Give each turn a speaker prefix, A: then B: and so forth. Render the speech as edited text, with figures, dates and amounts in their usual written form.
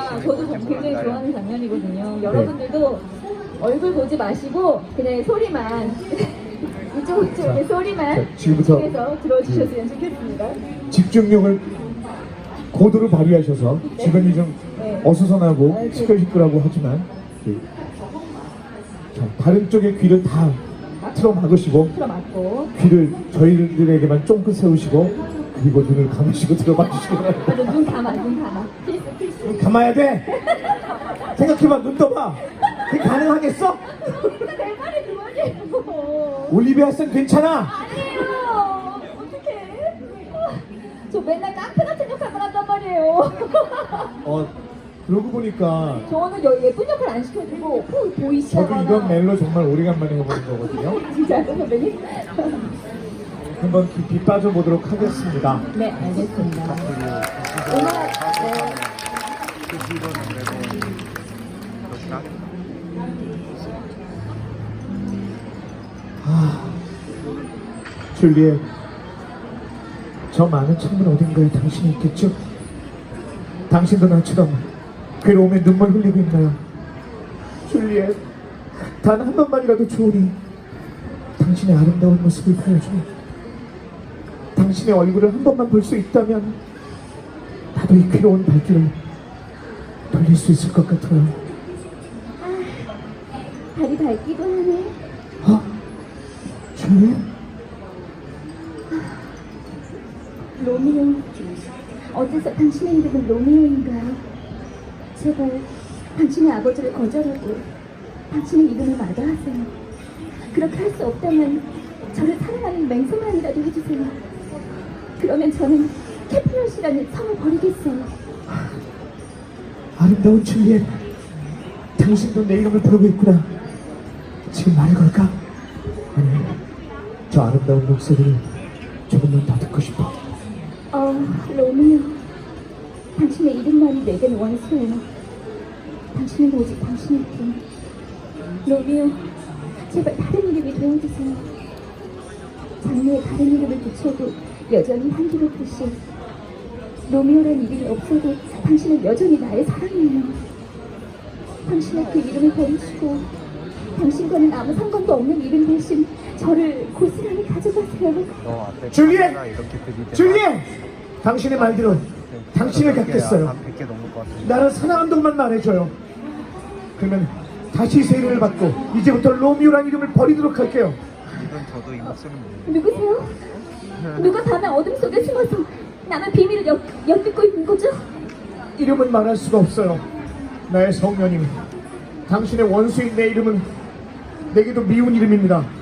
A: 저도 굉장히 좋아하는 장면이거든요. 여러분들도 얼굴 보지 마시고 그냥 소리만 이쪽에 소리만
B: 자, 지금부터
A: 집중해서 들어주셨으면 좋겠습니다.
B: 집중력을 고도로 발휘하셔서 주변이 좀
A: 네.
B: 어수선하고 시끌시끌하고 하지만 자, 다른 쪽의 귀를 다 틀어 막으시고
A: 틀어맞고
B: 귀를 저희들에게만 쫑긋 세우시고 그리고 눈을 감으시고 들어봐 주시기 바랍니다.
A: 맞아, 눈 감아 필수
B: 감아야 돼. 생각해봐. 눈 떠봐. 그게 가능하겠어?
A: 내 말이 그거예요.
B: 올리비아 쌤 괜찮아.
A: 아니에요. 어떡해. 저 맨날 깡패 같은 역할만 한단 말이에요.
B: 그러고 보니까
A: 저는 예쁜 역할 안 시켜주고 보이시잖아.
B: 저도 이런 멜로 정말 오래간만에 해보는 거거든요.
A: 진짜요, 선배님?
B: 한번 깊이 빠져보도록 하겠습니다.
A: 네, 알겠습니다. 음악, 네.
B: 줄리엣, 저 많은 창문 어딘가에 당신이 있겠죠? 당신도 나처럼 괴로움에 눈물 흘리고 있나요? 줄리엣, 단 한 번만이라도 좋으니 당신의 아름다운 모습을 보여줘. 당신의 얼굴을 한 번만 볼 수 있다면 나도 이 괴로운 발길을 돌릴 수 있을 것 같아요.
A: 다리 닳기도 하네.
B: 줄리엣?
A: 로미오. 어째서 당신의 이름은 로미오인가요? 제발 당신의 아버지를 거절하고 당신의 이름을 마다하세요. 그렇게 할 수 없다면 저를 사랑하는 맹세만이라도 해주세요. 그러면 저는 캐플럿이라는 성을 버리겠어요.
B: 아름다운 줄리엣, 당신도 내 이름을 부르고 있구나. 지금 말을 걸까? 아니, 저 아름다운 목소리를 조금만 더 듣고 싶어.
A: 로미오. 당신의 이름만이 내겐 원수예요. 당신은 오직 당신일 뿐. 로미오, 제발 다른 이름이 되어주세요. 장르에 다른 이름을 붙여도 여전히 향기롭듯이 로미오란 이름이 없어도 당신은 여전히 나의 사랑이에요. 당신의 그 이름을 버리시고 당신과는 아무 상관도 없는 이름 대신 저를 고스란히 가져가세요.
B: 줄리엣! 줄리엣! 당신의 말대로 당신을 갖겠어요. 나를 사랑한다고만 말해줘요. 그러면 다시 새 이름을 받고 이제부터 로미오란 이름을 버리도록 할게요.
C: 이건 저도 이 목소리는
A: 누구세요? 누가 밤의 어둠 속에 숨어서 남의 비밀을 엿듣고 있는 거죠?
B: 이름은 말할 수가 없어요. 나의 성녀님, 당신의 원수인 내 이름은 내게도 미운 이름입니다.